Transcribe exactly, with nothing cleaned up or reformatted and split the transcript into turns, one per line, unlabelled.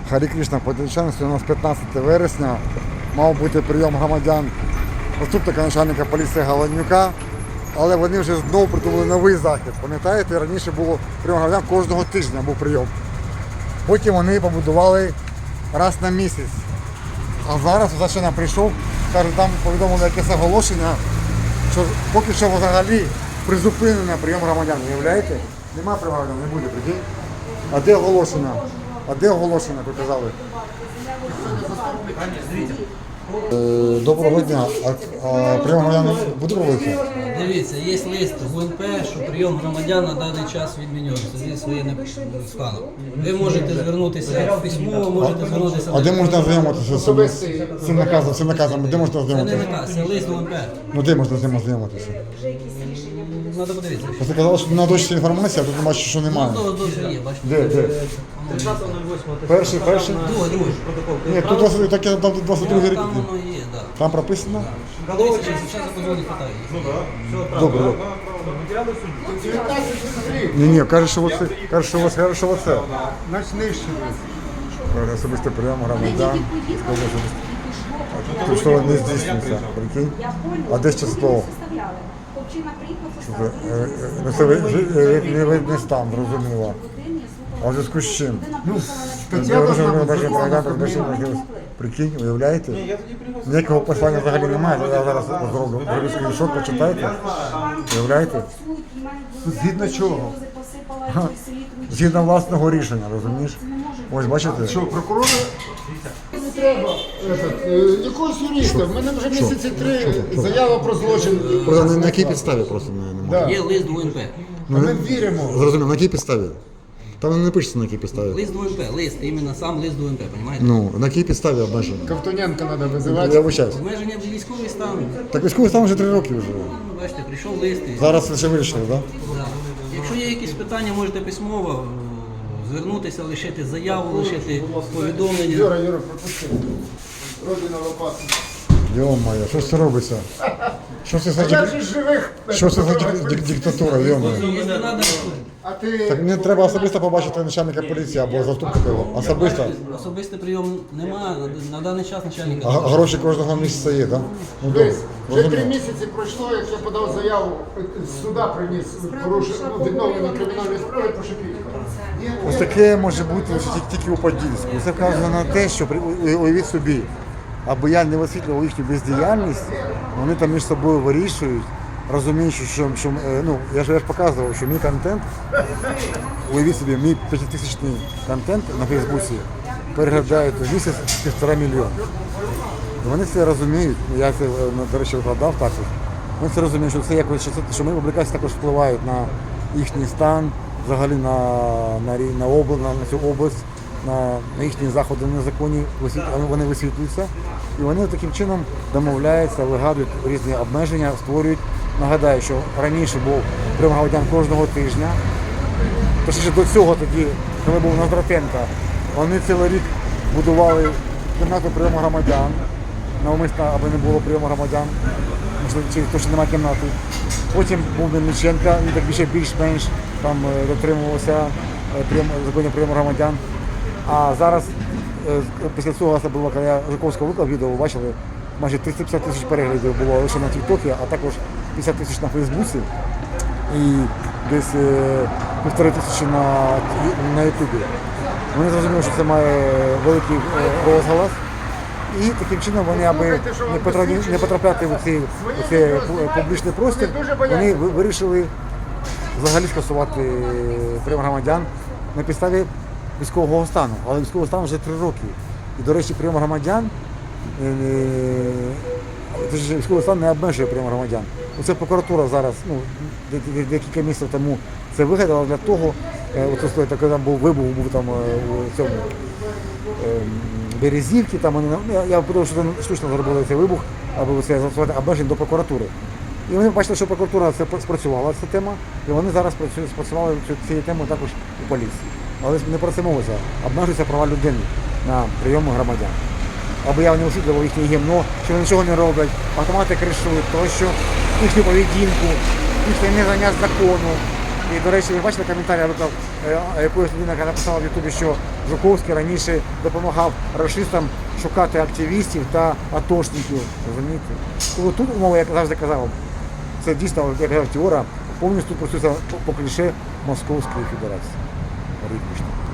Харі Кришна, подільчани, у нас п'ятнадцяте вересня, мав бути прийом громадян заступника начальника поліції Галанюка, але вони вже знову придумали новий захід. Пам'ятаєте, раніше було прийом громадян кожного тижня був прийом. Потім вони побудували раз на місяць. А зараз Зачина прийшов, каже, там повідомили якесь оголошення, що поки що взагалі призупинено прийом громадян. Уявляєте? Нема прийому громадян, не буде, прикинь. А де оголошення? А де оголошення, ви казали? Е, Доброго дня. А, а прийом громадян буде проводитися?
Дивіться, є лист в УНП, що прийом громадян на даний час відмінюється зі своїм станом. Ви можете звернутися письмово, можете звернутися...
А де можна ознайомитися з цим, з цим наказом? З цим наказом? Де можна
Це не
ознайомитися?
наказ, це лист в УНП.
Ну де можна з ним ознайомитися?
Треба подивитися.
Просто казали, що на дощі інформація, а тут бачу, що немає.
Ну, то дуже є, бачите.
Де, де? Перший, перший?
Другий, другий.
Ні, тут двадцять, так, там двадцять другий рік.
Там воно є, так.
Там прописано?
Дивіться, зараз я позвоню, питаю.
Добре, добре. Ні, ні, каже, що оце, каже, що оце, каже, що оце.
Значить, нижче.
Особистий прийом громадян. Тут що не здійснюється, прикинь. А де ще слово? Ну, це невидний стан, зрозуміло. А в зв'язку з чим? Прикинь, уявляєте? Ніякого послання взагалі немає, я зараз зроблю. Зроблю скріншот, почитайте. Уявляєте?
Згідно чого?
Згідно власного рішення, розумієш? Ось, бачите?
Що, прокурора? Не треба. Этот, е, якогось юриста. В мене вже місяці три заява про злочин.
Просто на якій підставі просто немає.
Да.
Є лист в УНП.
Ми віримо.
Зрозуміло, на якій підставі? Там не пишеться на якій підставі.
Лист в УНП, лист, іменно сам лист в УНП, розумієте?
Ну, на якій підставі обмеження?
Ковтоненка треба
Я
визивати.
вибачаюсь.
Обмеження в військовий стан.
Так військовий стан вже три роки вже.
Ну, бачите, прийшов лист. І...
Зараз ще вирішили, так?
Да. Якщо є якісь питання, можете письмово е, звернутися, лишити заяву, лишити повідомлення.
Юра, Юра, пропусти. Родина лопата.
Йо-моє, що це робиться? Що це за,
Я
дик...
ж живих.
що це за дик... дик... диктатура, йо-моє?
Якщо треба,
А ти...
Так мені треба особисто побачити начальника поліції або заступника його. Особисто.
особистий прийом немає, на, на даний час начальника.
А г- гроші кожного місяця є, так? Ну добре.
Дивись, вже три
Розумію.
місяці пройшло, як я подав заяву, з суда приніс порушення, ну, відновлення кримінальної справи по Шепітько.
Ось таке може бути лише тільки- тільки у Подільську. Це вказує на те, що при- у- уявіть собі, аби я не висвітлював їхню бездіяльність, вони там між собою вирішують, розуміючи, що, що е, ну, я ж я ж показував, що мій контент, уявіть собі, мій п'ятитисячний контент на Фейсбуці переглядають у місяць півтора мільйона. І вони це розуміють, я це, е, до речі, викладав також. Вони це розуміють, що це якось, що, це, що мої публікації також впливають на їхній стан, взагалі на, на, рі- на, обла, на, на цю область, на, на їхні заходи незаконні, висвіт- вони висвітлюються. І вони таким чином домовляються, вигадують різні обмеження, створюють. Нагадаю, що раніше був прийом громадян кожного тижня. Точніше до цього тоді, коли був Ноздратенко, вони цілий рік будували кімнату прийому громадян, навмисно, аби не було прийому громадян, можливо, через те, що немає кімнати. Потім був Мельниченко, він так більше більш-менш там е, дотримувався е, прийом- законів прийому громадян. А зараз, е, після цього це було, коли я Жуковського виклав відео, ви бачили, майже триста п'ятдесят тисяч переглядів було лише на Тіктокі, а також п'ятдесят тисяч на Фейсбуці і десь е, півтори тисячі на, на Ютубі. Вони зрозуміли, що це має великий е, розголос. І таким чином вони, аби не потрапляти, не потрапляти в цей, в цей публічний простір, вони ви- вирішили взагалі скасувати прийом громадян на підставі військового стану. Але військовий стан вже три роки. І, до речі, прийом громадян, е, е, військовий стан не обмежує прийом громадян. Оце прокуратура зараз, ну, де- де- декілька місяців тому це вигадала для того, е, оце стоїть, коли там був вибух, був там е, у цьому е, Березівки, там вони, ну, я, я подумав, що це штучно зробили цей вибух, аби це застосувати обмежень до прокуратури. І вони бачили, що прокуратура це спрацювала ця тема, і вони зараз працюють, спрацювали цю- цією темою також у поліції. Але не про це мовиться, обмежуються права людини на прийом громадян. Аби я не освітлював їхнє гімно, що вони нічого не роблять, автомати кришують, тощо, їхню поведінку, їхнє незнання закону. І, до речі, ви бачите коментарі наприклад, е, якоїсь людини, яка написала в Ютубі, що Жуковський раніше допомагав рашистам шукати активістів та атошників. Розумієте? Тобто тут умова, як я завжди казав, це дійсно, як казав Тіора, повністю працюється по, по кліше Московської Федерації. Рідмішно.